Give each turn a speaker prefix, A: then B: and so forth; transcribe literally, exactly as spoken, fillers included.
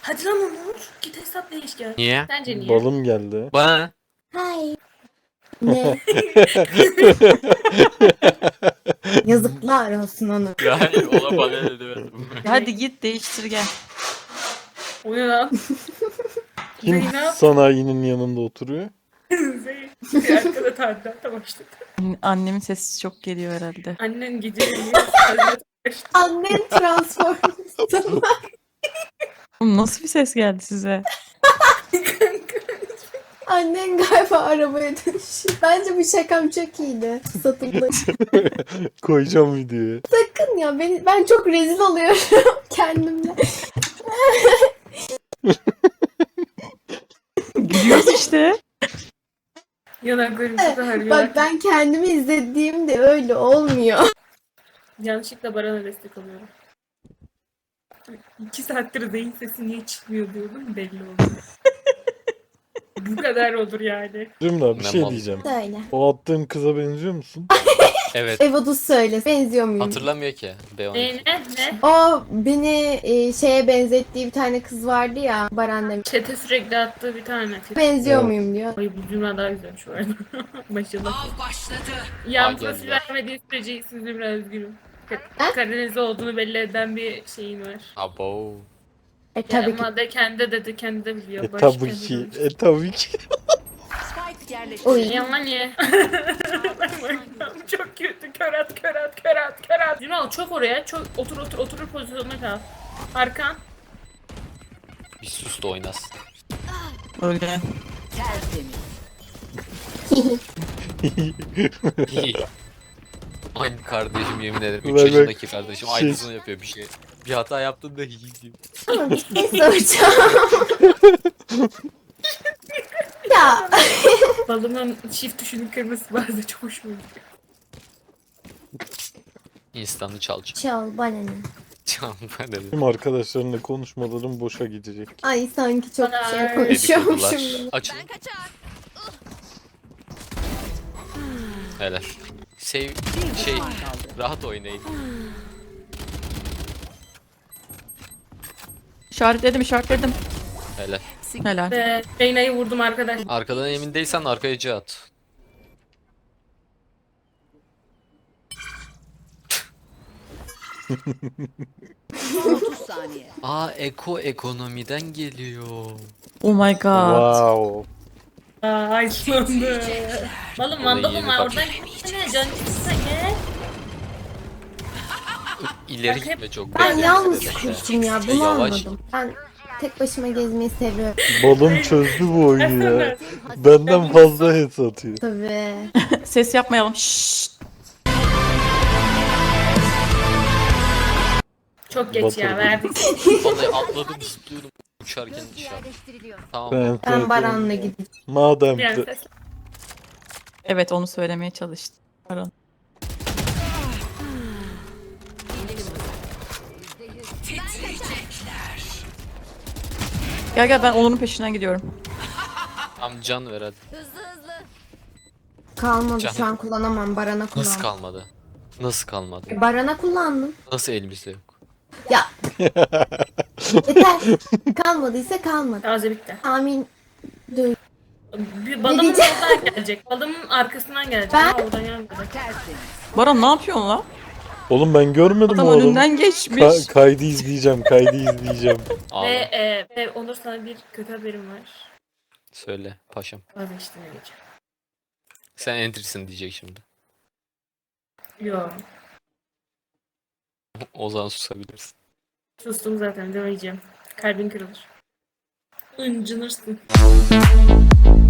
A: Hadi lan Onur. Git hesap değiş gel.
B: Niye?
A: Sence niye?
C: Balım geldi.
B: Bana ne?
D: Hay. Ne? Yazıklar olsun onu.
B: Ya hayır, ona bana ne demedim.
E: Hadi git değiştir gel.
A: O ne lan?
C: Kim
A: Zeynep.
C: sanayinin yanında oturuyor?
A: Zeynep. Bir arkada tadilata başladı.
E: Annemin sesi çok geliyor herhalde.
A: Annen gece tadilata başladı.
D: Annen transformasyon.
E: Oğlum nasıl bir ses geldi size?
D: Annen galiba arabaya dönüşüyor. Bence bu şakam çok iyiydi. Satıldı.
C: Koyacağım videoya.
D: Sakın ya beni, ben çok rezil oluyorum kendimle.
E: Gülüyoruz işte.
A: Yanaklarım çok ağrıyor.
D: Bak ben kendimi izlediğimde öyle olmuyor.
A: Yanlışlıkla Baran'a destek alıyorum. İki saattir Zeyn sesi niye çıkmıyor diyordum, belli oldu. Bu kadar olur yani.
C: Zümra bir
B: Ne
C: şey
B: mal.
C: diyeceğim.
D: Söyle.
C: O attığım kıza benziyor musun?
B: Evet.
D: Evodus söyle. Benziyor muyum?
B: Hatırlamıyor ki. B on iki.
A: Ne ne ne?
D: O beni e, şeye benzettiği bir tane kız vardı ya. Baran demiş.
A: Çete sürekli attığı bir tane.
D: Benziyor
C: Evet.
D: muyum diyor.
A: Ay bu cümle daha güzelmiş bu arada. Maşallah.
F: Av başladı.
A: Yan
B: Aa,
A: profil
B: geldi.
A: vermediği sürece sizi biraz üzgünüm.
D: Ha?
A: Karadenizli olduğunu belli eden bir şeyin var.
B: Abo.
D: E
A: Tabii
D: tabii ki.
A: Ama de kendi dedi kendi de biliyor.
C: E
A: Barış
C: tabii
A: kendi
C: ki.
A: demiş.
C: E tabii ki.
F: Spike yerleştirildi.
D: Oy.
A: Yaman ye. Çok kötü. Kör at, kör at, kör at, kör at. Yunan çok oraya. Çok otur otur otur pozisyonuna kal. Arkan.
B: Bir sus da oynasın.
E: Öyle.
B: Aynı kardeşim, yemin ederim.
C: Bak,
B: üç
C: bak.
B: yaşındaki kardeşim
C: Şey-
B: aynısını yapıyor bir şey. Bir hata yaptığında hihi diyor.
D: Ama bir şey soracağım. Ya
A: Balımın çift tuşunun kırmızı bazen çok hoşuma gidiyor.
B: İnstanı çalacak.
D: çal bana ne?
B: Çal ben dedim.
C: Benim arkadaşlarımla konuşmalarım boşa gidecek.
D: Ay sanki çok bir şey
A: Bana-
D: konuşuyormuşum.
B: Dedikodular.
D: gibi.
B: Açın. Helal. Sev şey rahat oynayın.
E: İşaretledim işaretledim.
B: Helal.
E: Helal.
A: Ve Reyna'yı vurdum arkadaş.
B: Arkadan emin değilsen arkaya C at.
F: otuz saniye.
B: Aa, eko ekonomiden geliyor.
E: Oh my god.
C: Wow.
A: Ay sonunda. Balım
B: Orayı
A: mandalım
B: yeni
A: var
B: fark
A: oradan gitsene can gitsene gel.
B: İleri
A: Bak hep-
B: gitme çok.
D: Ben
B: bekle.
D: yalnız
B: Bekle.
D: kurtum ya
B: E,
D: bunu
B: yavaş.
D: anladım. Ben tek başıma gezmeyi seviyorum.
C: Balım çözdü bu oyunu ya. Benden fazla head atıyor.
D: Tabii.
E: Ses yapmayalım. Şşşt.
A: Çok geç
C: Batırdım.
A: ya verdik.
B: Vallahi atladım zıplıyorum. Uçarken dışarı. Tamam.
C: Ben,
D: Ben Baran'la gideceğim.
C: Madem
A: Yani
C: ki
A: ses.
E: Evet onu söylemeye çalıştım. Pardon. Gel gel ben Onur'un peşinden gidiyorum.
B: Tam can ver hadi.
D: Kalmadı
B: Canım.
D: şu an kullanamam. Baran'a kullan.
B: Nasıl kalmadı? Nasıl kalmadı?
D: Baran'a kullandım.
B: Nasıl elimizde yok?
D: Ya. Yeter. Kalmadıysa kalmadı.
A: Taze bitti.
D: Amin. Duy.
A: Bir balımın
D: diyeceğim?
A: oradan gelecek. Balımın arkasından gelecek.
D: Ben-
A: Ha, oradan gelmedi.
E: Baran ne yapıyorsun lan?
C: Oğlum ben görmedim
E: Adam
C: o adamı.
E: önünden geçmiş.
C: Ka- kaydı izleyeceğim, kaydı izleyeceğim.
A: Ve,
B: Ağla.
A: e, ve Onur sana bir kötü haberim var.
B: Söyle paşam.
A: Vazgeçtim diyeceğim.
B: Sen entry'sin diyecek şimdi.
A: Yo.
B: O zaman susabilirsin.
A: Sustum zaten demeyeceğim. Kalbin kırılır. Incınırsın.